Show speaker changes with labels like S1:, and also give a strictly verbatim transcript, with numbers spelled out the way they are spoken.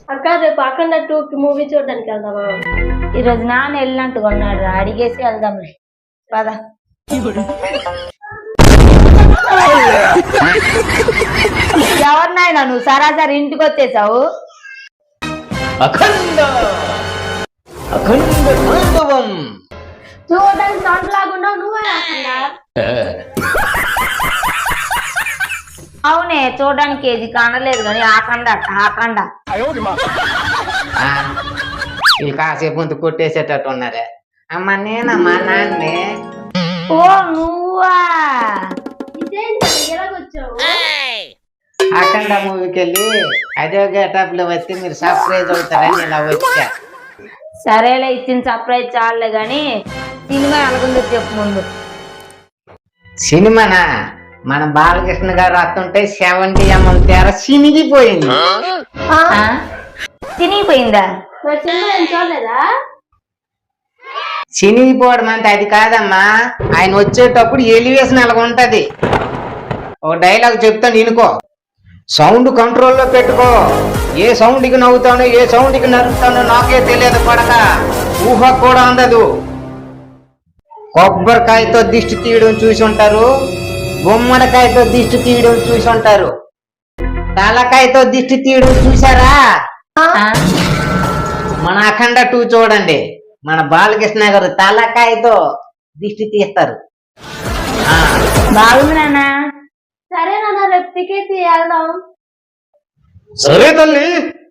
S1: అక్క రేపు అఖండ టూ కి మూవీ చూడడానికి వెళ్దామా?
S2: ఈరోజు నాన్న వెళ్ళినట్టు కొన్నాడు రా, అడిగేసి వెళ్దాంలే పద. ఎవరినైనా నువ్వు సరాసరి ఇంటికి వచ్చేసావు.
S3: అఖండ అఖండ తాండవం
S1: చూడడానికి సౌండ్ లాగుండా నువ్వే అఖండ.
S2: అవునే, చూడడానికి ఏది కానలేదు కానీ ఆకండ ఆకండ.
S3: వీళ్ళు కాసేపు ముందు కొట్టేసేటట్టు ఉన్నారే. అమ్మ నేనమ్మా నాన్నే.
S2: ఓ నువ్వా?
S1: ఇదేంటి ఎలాగొచ్చావు?
S3: అఖండ మూవీకి వెళ్ళి అదే గెటప్ లో వచ్చి మీరు సర్ప్రైజ్ అవుతారని ఇలా వచ్చా.
S2: సరేలే, ఇచ్చిన సర్ప్రైజ్ చాలే గాని సినిమా ఎలాగుందో చెప్పు ముందు.
S3: సినిమానా? మన బాలకృష్ణ గారు వస్తుంటే సెవెంటీ ఎంఎం తెర సినిగిపోయింది.
S2: తినిగిపోయిందా?
S1: మరి సినిమా ఏం చూడలేదా?
S3: సినిగిపోవడం అంటే అది కాదమ్మా, ఆయన వచ్చేటప్పుడు ఎలివేషన్ అలాగ ఉంటది. ఒక డైలాగ్ చెప్తాను వినుకో. సౌండ్ కంట్రోల్లో పెట్టుకో. ఏ సౌండ్కి నవ్వుతానో ఏ సౌండ్కి నరుకుతానో నాకే తెలియదు పడక, ఊహ కూడా అందదు. కొబ్బరికాయతో దిష్టి తీయడం చూసి ఉంటారు, గుమ్మడికాయతో దిష్టి తీయడం చూసి ఉంటారు, తలకాయతో దిష్టి తీయడం చూసారా? మన అఖండ టూ చూడండి, మన బాలకృష్ణ గారు తలకాయతో దిష్టి తీస్తారు.
S2: బాగుంది నాన్న.
S1: సరే నాన్న, రేపు టికెట్ వెళ్దాం.
S3: సరే తల్లి.